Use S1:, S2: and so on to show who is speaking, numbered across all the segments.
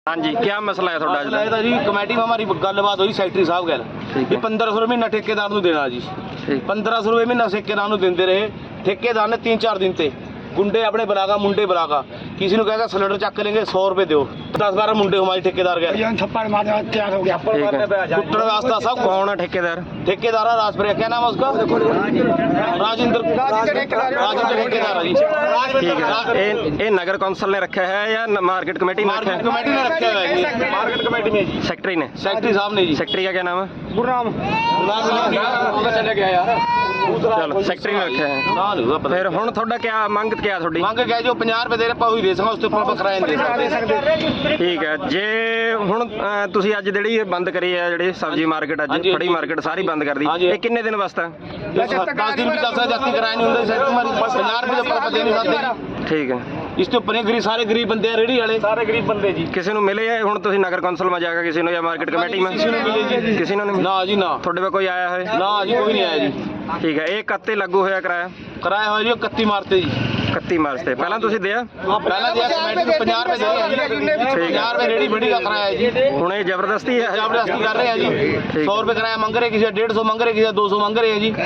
S1: हाँ जी, क्या मसला है थोड़ा
S2: मसला है जी कमेटी में हमारी गलबात हुई सैकटरी साहब गल भी 1500 रुपये महीना ठेकेदार ਨੂੰ देना जी 1500 रुपये महीना ठेकेदार ਨੂੰ ਦਿੰਦੇ ਰਹੇ ठेकेदार ने 3-4 दिन ते गुंडे अपने बुलागा मुंडे बुलागा किसी को कहेगा सिलेंडर चक लेंगे 100 रुपये दो 10-12 मुंडे हमारे ठेकेदार गए
S1: थप्पड़ मारने तैयार हो गया।
S2: कुट्टन वास्ता सब
S1: कौन है ठेकेदार?
S2: ठेकेदार है राजप्रिया, क्या नाम है उसका? राजेंद्र ठेकेदार है जी।
S1: ठीक है, ये नगर कौंसिल ने रखा है या मार्केट कमेटी ने रखा है?
S2: कमेटी ने रखा है, मार्केट कमेटी में जी,
S1: सेक्रेटरी ने,
S2: सेक्रेटरी साहब ने जी।
S1: सेक्रेटरी का क्या नाम है?
S2: गुरनाम चले गया यार,
S1: चलो सेक्रेटरी ने रखा है। फिर हुण थोड़ा क्या मंग क्या थोड़ी?
S2: ਮੰਗ ਗਿਆ ਜੋ 50 ਰੁਪਏ ਦੇ ਆਪਾਂ ਉਹੀ ਦੇ ਸਕਾਂ, ਉਸ ਤੋਂ ਉੱਪਰ ਕਿਰਾਇਆ ਨਹੀਂ ਦੇ ਸਕਦੇ।
S1: ਠੀਕ ਹੈ, ਜੇ ਹੁਣ ਤੁਸੀਂ ਅੱਜ ਜਿਹੜੀ ਇਹ ਬੰਦ ਕਰੀ ਹੈ, ਜਿਹੜੀ ਸਬਜ਼ੀ ਮਾਰਕੀਟ ਅੱਜ ਫੜੀ ਮਾਰਕੀਟ ਸਾਰੀ ਬੰਦ ਕਰਦੀ, ਇਹ ਕਿੰਨੇ ਦਿਨ ਵਾਸਤੇ?
S2: 10 दिन भी चल सकता, जाती किराया नहीं होता, 50 रुपये तो ਆਪਾਂ ਦੇ ਨਹੀਂ ਸਕਦੇ।
S1: ਠੀਕ ਹੈ,
S2: ਇਸ ਤੋਂ ਉੱਪਰ ਗਰੀਬ ਸਾਰੇ ਗਰੀਬ ਬੰਦੇ ਆ, ਰੇੜੀ ਵਾਲੇ ਸਾਰੇ ਗਰੀਬ ਬੰਦੇ ਜੀ।
S1: ਕਿਸੇ ਨੂੰ ਮਿਲੇ ਹੈ ਹੁਣ ਤੁਸੀਂ ਨਗਰ ਕੌਂਸਲ में ਜਾकर ਕਿਸੇ ਨੂੰ ਜਾਂ ਮਾਰਕੀਟ ਕਮੇਟੀ में?
S2: ਕਿਸੇ ਨੂੰ ਮਿਲੇ ਜੀ,
S1: ਕਿਸੇ ਨੂੰ ਨਹੀਂ?
S2: ਨਾ ਜੀ ਨਾ,
S1: ਤੁਹਾਡੇ ਕੋਲ ਕੋਈ ਆਇਆ ਹੈ?
S2: ਨਾ ਜੀ ਕੋਈ ਨਹੀਂ ਆਇਆ ਜੀ।
S1: ਠੀਕ ਹੈ, ਇਹ ਕੱਤੇ लागू ਹੋਇਆ ਕਿਰਾਇਆ?
S2: ਕਿਰਾਇਆ ਹੋਇਆ ਜੀ 31 ਮਾਰਚ ਤੇ ਜੀ।
S1: 31 ਮਾਰਚ ਤੇ ਪਹਿਲਾਂ ਤੁਸੀਂ ਦਿਆ?
S2: ਪਹਿਲਾਂ ਦਿਆ ਕਮੇਟੀ ਨੂੰ 50 ਰੁਪਏ ਦੇ ਜੀ, 50 ਰੁਪਏ ਰੇੜੀ ਬੜੀ ਦਾ ਕਿਰਾਇਆ ਹੈ ਜੀ।
S1: ਹੁਣ ਇਹ ਜ਼ਬਰਦਸਤੀ ਹੈ?
S2: ਜ਼ਬਰਦਸਤੀ ਕਰ ਰਹੇ ਆ ਜੀ, 100 ਰੁਪਏ ਕਿਰਾਇਆ ਮੰਗ ਰਹੇ, ਕਿਸੇ 150 ਮੰਗ ਰਹੇ, ਕਿਸੇ 200 ਮੰਗ ਰਹੇ ਆ ਜੀ।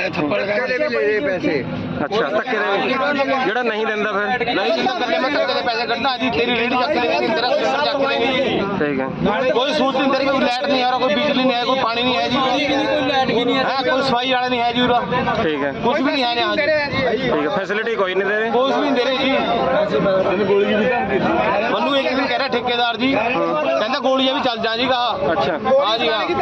S1: ਅੱਛਾ, ਧੱਕੇ ਦੇ ਜਿਹੜਾ ਨਹੀਂ ਦਿੰਦਾ ਫਿਰ?
S2: ਨਹੀਂ ਜਿੰਦਾ ਕਰਕੇ ਮੈਂ ਧੱਕੇ ਦੇ ਪੈਸੇ ਕੱਢਣਾ ਜੀ, ਤੇਰੀ ਰੇੜੀ ਚੱਕ ਲੈਂਗੇ, ਤੇਰਾ ਸਿਲੰਡਰ ਚੱਕ ਲੈਂਗੇ ਜੀ।
S1: ਠੀਕ ਹੈ,
S2: ਕੋਈ ਸਹੂਲਤ ਨਹੀਂ ਤੇਰੀ, ਕੋਈ ਲਾਈਟ ਨਹੀਂ ਆ रहा, कोई बिजली नहीं है, कोई पानी नहीं है जी, कोई लाइट भी नहीं है, कोई सफाई वाला नहीं है जी,
S1: ठीक है,
S2: कुछ भी नहीं है यहाँ जी।
S1: ठीक है, फैसिलिटी कोई नहीं दे रहे?
S2: कुछ भी नहीं दे रहे जी। मनु एक दिन कह रहा ठेकेदार जी, कहता गोलियां भी चल जा जी, कहा
S1: अच्छा
S2: हाँ जी हाँ,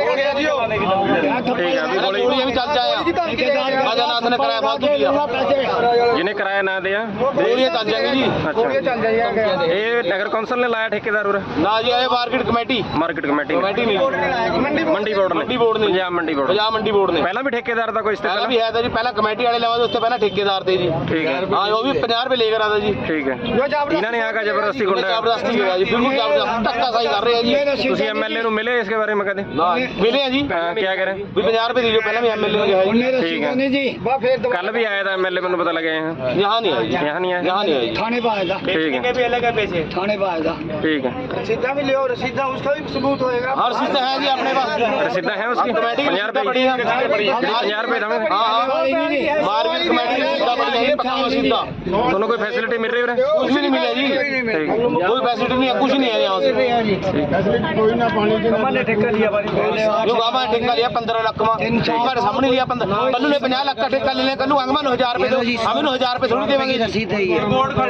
S1: ठीक है, अभी
S2: गोलियां भी चल जाए, राजानाथ ने किराया फालतू दिया,
S1: जिन्हें किराया ना दिया
S2: गोलियां चल जाएंगी जी।
S1: अच्छा, ये नगर कौंसिल ने लाया ठेकेदार उरे?
S2: ना जी ये मार्केट कमेटी
S1: कमेटी
S2: नहीं,
S1: मंडी बोर्ड ने, पंजाब मंडी बोर्ड ने
S2: पहला
S1: भी ठेकेदार था कोई?
S2: पहला भी है था जी, पहला कमेटी वाले लवा, उससे पहला ठेकेदार थे जी।
S1: ठीक है,
S2: हाँ वो भी 50 रुपए लेकर आता जी।
S1: ठीक है, इन्होंने यहाँ का जबरदस्ती गुंडा
S2: जबरदस्ती किया जी, बिल्कुल जबरदस्ती धक्काशाही कर रहे हैं जी।
S1: तुसी एमएलए ਨੂੰ ਮਿਲੇ इसके बारे में कदे?
S2: ना मिले हैं जी,
S1: क्या करें?
S2: भी 50 रुपए दीजिए, पहले भी एमएलए ने कहा जी।
S1: ठीक है, कल भी आया था एमएलए, मैंने पता लगे हैं
S2: यहाँ नहीं आया जी,
S1: यहाँ नहीं आया,
S2: यहाँ नहीं आया जी,
S3: थाने पे आया था,
S1: ठीक है,
S2: भी अलग है पैसे
S3: थाने पे आया था,
S1: ठीक है,
S3: रसीदा भी ले, रसीदा उसका भी सबूत होएगा।
S2: हर चीज है जी अपने पास,
S1: रसीदा है उसकी? 50 रुपए
S2: पड़ी है,
S1: 50 रुपए दमें?
S2: हाँ मार्केट कमेटी ने सीधा पड़ी है, पक्का सीधा।
S1: दोनों कोई फैसिलिटी मिल रही है?
S2: कुछ भी नहीं मिला जी,
S1: ठीक है,
S2: कोई फैसिलिटी नहीं है, कुछ नहीं है यहाँ से। जो गामा ने ठेका लिया 15 लाख में, हमारे सामने लिया 15, कल्लू ने 50 लाख का ठेका ले लिया, कल्लू अंगमा 1000 रुपए दो, हम 1000 रुपए थोड़ी देंगे।
S3: रसीद है ये,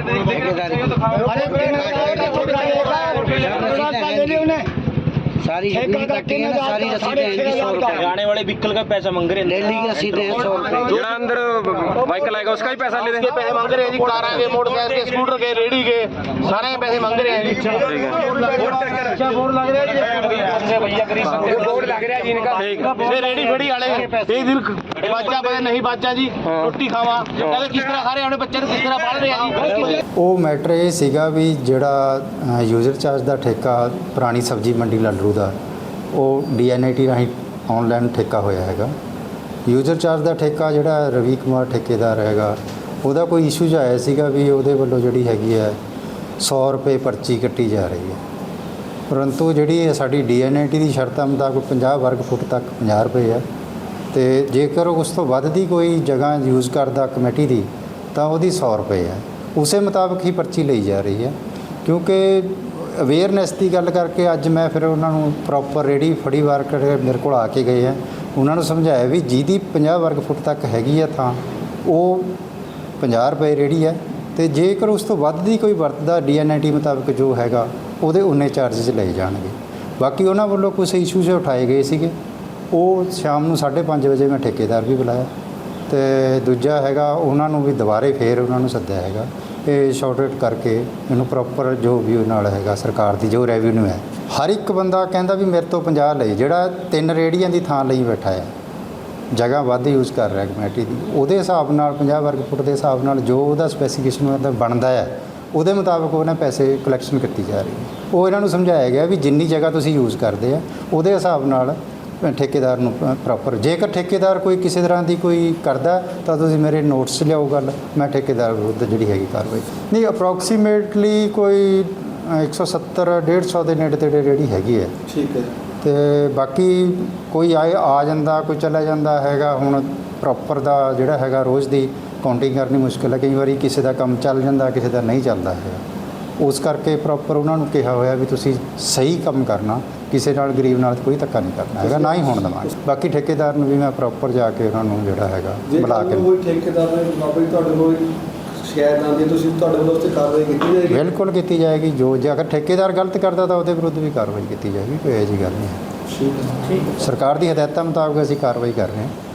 S3: सारी कटी है ना, सारी रसीदें हैं इनकी 100 रुपए,
S2: गाने वाले व्हीकल का पैसा मांग रहे हैं,
S3: डेली की रसीदें हैं 100 रुपए।
S1: जो अंदर व्हीकल आएगा उसका ही पैसा ले
S2: उसके पैसे मांग रहे हैं जी, कार के, मोटरसाइकिल के, स्कूटर के, रेडी के, सारे के पैसे मांग रहे हैं जी। बोर्ड लग रहा है भैया, गरीब बंदे बोर्ड लग रहा है जी इनका। ये रेडी फेड़ी वाले एक दिन बच्चा पता नहीं बच्चा जी रोटी खावा, कहते किस तरह खा रहे हैं बच्चे, किस तरह पाल रहे हैं जी।
S4: ਉਹ ਮੈਟਰ ਇਹ ਸੀਗਾ ਵੀ ਜਿਹੜਾ ਯੂਜ਼ਰ ਚਾਰਜ ਦਾ ਠੇਕਾ ਪੁਰਾਣੀ ਸਬਜ਼ੀ ਮੰਡੀ ਲੱਡਰੂ ਦਾ, ਉਹ DNAT ਰਾਹੀਂ ਆਨਲਾਈਨ ਠੇਕਾ ਹੋਇਆ ਹੈਗਾ। ਯੂਜ਼ਰ ਚਾਰਜ ਦਾ ਠੇਕਾ ਜਿਹੜਾ ਰਵੀ ਕੁਮਾਰ ਠੇਕੇਦਾਰ ਹੈਗਾ, ਉਹਦਾ ਕੋਈ ਇਸ਼ੂ ਜਿਹਾ ਆਇਆ ਸੀਗਾ ਵੀ ਉਹਦੇ ਵੱਲੋਂ ਜਿਹੜੀ ਹੈਗੀ ਹੈ 100 ਰੁਪਏ ਪਰਚੀ ਕੱਟੀ ਜਾ ਰਹੀ ਹੈ, ਪਰੰਤੂ ਜਿਹੜੀ ਸਾਡੀ DNAT ਦੀ ਸ਼ਰਤਾਂ ਮੁਤਾਬਕ 50 ਵਰਗ ਫੁੱਟ ਤੱਕ 50 ਰੁਪਏ ਹੈ, ਅਤੇ ਜੇਕਰ ਉਸ ਤੋਂ ਵੱਧ ਦੀ ਕੋਈ ਜਗ੍ਹਾ ਯੂਜ਼ ਕਰਦਾ ਕਮੇਟੀ ਦੀ ਤਾਂ ਉਹਦੀ 100 ਰੁਪਏ ਹੈ। ਉਸੇ ਮੁਤਾਬਕ ਹੀ ਪਰਚੀ ਲਈ ਜਾ ਰਹੀ ਹੈ। ਕਿਉਂਕਿ ਅਵੇਅਰਨੈਸ ਦੀ ਗੱਲ ਕਰਕੇ ਅੱਜ ਮੈਂ ਫਿਰ ਉਹਨਾਂ ਨੂੰ ਪ੍ਰੋਪਰ ਰੇੜੀ ਫੜੀ ਵਰਕਰ ਮੇਰੇ ਕੋਲ ਆ ਕੇ ਗਏ ਹੈ, ਉਹਨਾਂ ਨੂੰ ਸਮਝਾਇਆ ਵੀ ਜਿਹਦੀ 50 ਵਰਗ ਫੁੱਟ ਤੱਕ ਹੈਗੀ ਹੈ ਤਾਂ ਉਹ 50 ਰੁਪਏ ਰੇੜੀ ਹੈ, ਅਤੇ ਜੇਕਰ ਉਸ ਤੋਂ ਵੱਧ ਦੀ ਕੋਈ ਵਰਤਦਾ DNAT ਮੁਤਾਬਕ ਜੋ ਹੈਗਾ ਉਹਦੇ ਉਨੇ ਚਾਰਜਸ ਲਏ ਜਾਣਗੇ। ਬਾਕੀ ਉਹਨਾਂ ਵੱਲੋਂ ਕੁਛ ਇਸ਼ੂਜ਼ ਉਠਾਏ ਗਏ ਸੀਗੇ, ਉਹ ਸ਼ਾਮ ਨੂੰ 5:30 ਵਜੇ ਮੈਂ ਠੇਕੇਦਾਰ ਵੀ ਬੁਲਾਇਆ, ਅਤੇ ਦੂਜਾ ਹੈਗਾ ਉਹਨਾਂ ਨੂੰ ਵੀ ਦੁਬਾਰੇ ਫੇਰ ਉਹਨਾਂ ਨੂੰ ਸੱਦਿਆ ਹੈਗਾ, ਇਹ ਸ਼ਾਰਟਕਟ ਕਰਕੇ ਇਹਨੂੰ ਪ੍ਰੋਪਰ ਜੋ ਵੀ ਉਹ ਨਾਲ ਹੈਗਾ ਸਰਕਾਰ ਦੀ ਜੋ ਰੈਵਨਿਊ ਹੈ, ਹਰ ਇੱਕ ਬੰਦਾ ਕਹਿੰਦਾ ਵੀ ਮੇਰੇ ਤੋਂ 50 ਲਈ, ਜਿਹੜਾ 3 ਰੇੜੀਆਂ ਦੀ ਥਾਂ ਲਈ ਬੈਠਾ ਹੈ, ਜਗ੍ਹਾ ਵੱਧ ਯੂਜ਼ ਕਰ ਰਿਹਾ ਕਮੇਟੀ ਦੀ, ਉਹਦੇ ਹਿਸਾਬ ਨਾਲ 50 ਵਰਗ ਫੁੱਟ ਦੇ ਹਿਸਾਬ ਨਾਲ ਜੋ ਉਹਦਾ ਸਪੈਸੀਫਿਕੇਸ਼ਨ ਬਣਦਾ ਹੈ ਉਹਦੇ ਮੁਤਾਬਕ ਉਹਨਾਂ ਪੈਸੇ ਕਲੈਕਸ਼ਨ ਕੀਤੀ ਜਾ ਰਹੀ ਹੈ। ਉਹ ਇਹਨਾਂ ਨੂੰ ਸਮਝਾਇਆ ਗਿਆ ਵੀ ਜਿੰਨੀ ਜਗ੍ਹਾ ਤੁਸੀਂ ਯੂਜ਼ ਕਰਦੇ ਆ ਉਹਦੇ ਹਿਸਾਬ ਨਾਲ ਠੇਕੇਦਾਰ ਨੂੰ ਪ੍ਰੋਪਰ, ਜੇਕਰ ਠੇਕੇਦਾਰ ਕੋਈ ਕਿਸੇ ਤਰ੍ਹਾਂ ਦੀ ਕੋਈ ਕਰਦਾ ਤਾਂ ਤੁਸੀਂ ਮੇਰੇ ਨੋਟਿਸ ਲਿਆਓ ਗੱਲ, ਮੈਂ ਠੇਕੇਦਾਰ ਵਿਰੁੱਧ ਜਿਹੜੀ ਹੈਗੀ ਕਾਰਵਾਈ ਨਹੀਂ। ਅਪਰੋਕਸੀਮੇਟਲੀ ਕੋਈ 170 150 ਦੇ ਨੇੜੇ ਤੇੜੇ ਰੇਹੜੀ ਹੈਗੀ ਹੈ
S5: ਠੀਕ ਹੈ
S4: ਤੇ ਬਾਕੀ ਕੋਈ ਆ ਜਾਂਦਾ ਕੋਈ ਚਲਾ ਜਾਂਦਾ ਹੈਗਾ। ਹੁਣ ਪ੍ਰੋਪਰ ਦਾ ਜਿਹੜਾ ਹੈਗਾ ਰੋਜ਼ ਦੀ ਕਾਊਂਟਿੰਗ ਕਰਨੀ ਮੁਸ਼ਕਿਲ ਹੈ। ਕਈ ਵਾਰੀ ਕਿਸੇ ਦਾ ਕੰਮ ਚੱਲ ਜਾਂਦਾ, ਕਿਸੇ ਦਾ ਨਹੀਂ ਚੱਲਦਾ ਹੈਗਾ। ਉਸ ਕਰਕੇ ਪ੍ਰੋਪਰ ਉਹਨਾਂ ਨੂੰ ਕਿਹਾ ਹੋਇਆ ਵੀ ਤੁਸੀਂ ਸਹੀ ਕੰਮ ਕਰਨਾ, ਕਿਸੇ ਨਾਲ ਗਰੀਬ ਨਾਲ ਕੋਈ ਧੱਕਾ ਨਹੀਂ ਕਰਨਾ ਹੈਗਾ, ਨਾ ਹੀ ਹੋਣ ਦੇਵਾਂਗੇ। ਬਾਕੀ ਠੇਕੇਦਾਰ ਨੂੰ ਵੀ ਮੈਂ ਪ੍ਰੋਪਰ ਜਾ ਕੇ ਉਹਨਾਂ ਨੂੰ ਜਿਹੜਾ ਹੈਗਾ
S5: ਜੇ
S4: ਬੁਲਾ ਕੇ
S5: ਕੋਈ ਠੇਕੇਦਾਰ ਨੇ ਬਾਬਾ ਤੁਹਾਡੇ ਕੋਲ ਸ਼ਿਕਾਇਤ ਆਉਂਦੀ ਤੁਸੀਂ ਤੁਹਾਡੇ ਵੱਲੋਂ ਉਸ 'ਤੇ ਕਾਰਵਾਈ ਕੀਤੀ ਜਾਏਗੀ?
S4: ਬਿਲਕੁਲ ਕੀਤੀ ਜਾਏਗੀ। ਜੇ ਅਗਰ ਠੇਕੇਦਾਰ ਗਲਤ ਕਰਦਾ ਤਾਂ ਉਹਦੇ ਵਿਰੁੱਧ ਵੀ ਕਾਰਵਾਈ ਕੀਤੀ ਜਾਏਗੀ, ਕੋਈ ਇਹੋ ਜਿਹੀ ਗੱਲ ਨਹੀਂ ਹੈ।
S5: ਠੀਕ ਹੈ।
S4: ਸਰਕਾਰ ਦੀ ਹਦਾਇਤਾਂ ਮੁਤਾਬਕ ਅਸੀਂ ਕਾਰਵਾਈ ਕਰ ਰਹੇ ਹਾਂ।